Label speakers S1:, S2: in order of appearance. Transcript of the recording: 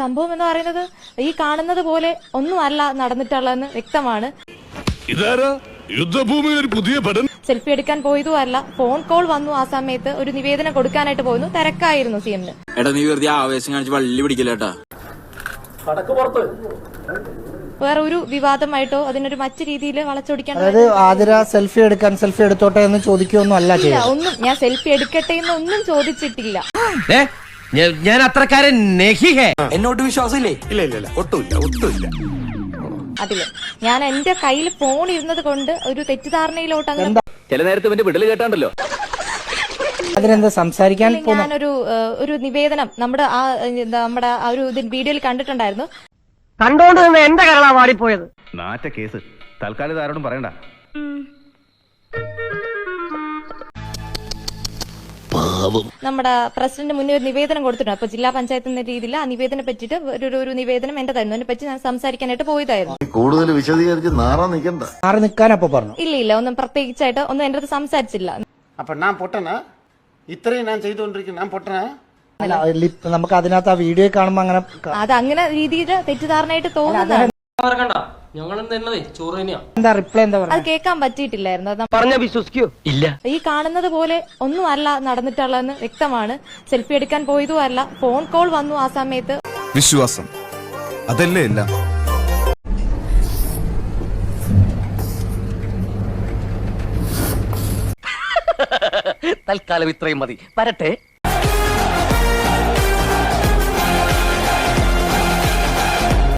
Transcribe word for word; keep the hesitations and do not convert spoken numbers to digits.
S1: സംഭവം എന്ന് പറയുന്നത് ഈ കാണുന്നത് പോലെ ഒന്നുമല്ല നടന്നിട്ടുള്ളതെന്ന് വ്യക്തമാണ്.
S2: യുദ്ധഭൂമിയിൽ ഒരു പുതിയ പഠനം.
S1: സെൽഫി എടുക്കാൻ പോയതും അല്ല, ഫോൺ കോൾ വന്നു. ആ സമയത്ത് ഒരു നിവേദനം കൊടുക്കാനായിട്ട് പോയിരുന്നു, തിരക്കായിരുന്നു സി എമ്മിന്.
S3: എടാ നീ വെറുതെ ആവേശം കാണിച്ച് വള്ളി പിടിക്കില്ലേട്ടാ.
S1: വേറെ ഒരു വിവാദമായിട്ടോ അതിനൊരു മറ്റു രീതിയിൽ വളച്ചൊടിക്കാൻ
S4: അതായത് ആതിര സെൽഫി എടുക്കാൻ സെൽഫി എടുത്തോട്ടെ എന്ന് ചോദിക്കുകയൊന്നും അല്ല
S1: ഇല്ല. ഒന്നും ഞാൻ സെൽഫി എടുക്കട്ടെ എന്ന് ഒന്നും ചോദിച്ചിട്ടില്ല.
S5: ഞാൻ അത്രക്കാരൻ
S3: എന്നോട്ട് വിശ്വാസമില്ലേ?
S2: ഇല്ല ഇല്ല ഇല്ല ഒട്ടുമില്ല ഒട്ടുമില്ല.
S1: അതില് ഞാൻ എന്റെ കയ്യിൽ ഫോൺ ഇരുന്നത് കൊണ്ട് ഒരു തെറ്റിദ്ധാരണയിലോട്ട് അങ്ങനെ
S3: ചില നേരത്തെ ഇവന്റെ വിടല് കേട്ടാണ്ടല്ലോ.
S4: അതിനെന്താ സംസാരിക്കാൻ
S1: ഞാനൊരു ഒരു നിവേദനം നമ്മുടെ ആ നമ്മുടെ ആ ഒരു വീഡിയോയിൽ കണ്ടിട്ടുണ്ടായിരുന്നു.
S5: കണ്ടോണ്ട് നിന്ന് എന്റെ കരളാ വാടിപ്പോയത്.
S2: നാറ്റ കേസ് തൽക്കാലം ആരോടും പറയണ്ട.
S1: നമ്മുടെ പ്രസിഡന്റ് മുന്നേ ഒരു നിവേദനം കൊടുത്തിട്ടുണ്ട്. അപ്പൊ ജില്ലാ പഞ്ചായത്ത് എന്ന രീതിയിൽ ആ നിവേദനം പറ്റിയിട്ട് ഒരു ഒരു നിവേദനം എന്റെ തരുന്നു. അതിനെ പറ്റി ഞാൻ സംസാരിക്കാനായിട്ട് പോയതായിരുന്നു.
S6: കൂടുതൽ വിശദീകരിച്ച് നാറാൻ നിൽക്കണ്ട.
S4: മാറി നിൽക്കാൻ അപ്പൊ പറഞ്ഞു.
S1: ഇല്ല ഇല്ല ഒന്നും പ്രത്യേകിച്ചായിട്ട് ഒന്നും എന്റെ അടുത്ത് സംസാരിച്ചില്ല.
S7: അപ്പൊ ഞാൻ പൊട്ടനാ? ഇത്രയും ഞാൻ ചെയ്തുകൊണ്ടിരിക്കുന്നു, ഞാൻ പൊട്ടനാ?
S4: നമുക്ക് അതിനകത്ത് ആ വീഡിയോ കാണുമ്പോ അങ്ങനെ
S1: അത് അങ്ങനെ രീതിയിൽ തെറ്റിദ്ധാരണയായിട്ട് തോന്നുന്നതാണ്.
S4: എന്താ റിപ്ലൈ എന്താ
S1: അത് കേൾക്കാൻ പറ്റിയിട്ടില്ലായിരുന്നു.
S5: പറഞ്ഞ വിശ്വസിക്കോ? ഇല്ല.
S1: ഈ കാണുന്നത് പോലെ ഒന്നുമല്ല നടന്നിട്ടുള്ളതെന്ന് വ്യക്തമാണ്. സെൽഫി എടുക്കാൻ പോയതും അല്ല, ഫോൺ കോൾ വന്നു. ആ സമയത്ത്
S8: വിശ്വാസം അതല്ലേ എല്ലാം.
S5: തൽക്കാലം ഇത്രയും മതി. വരട്ടെ.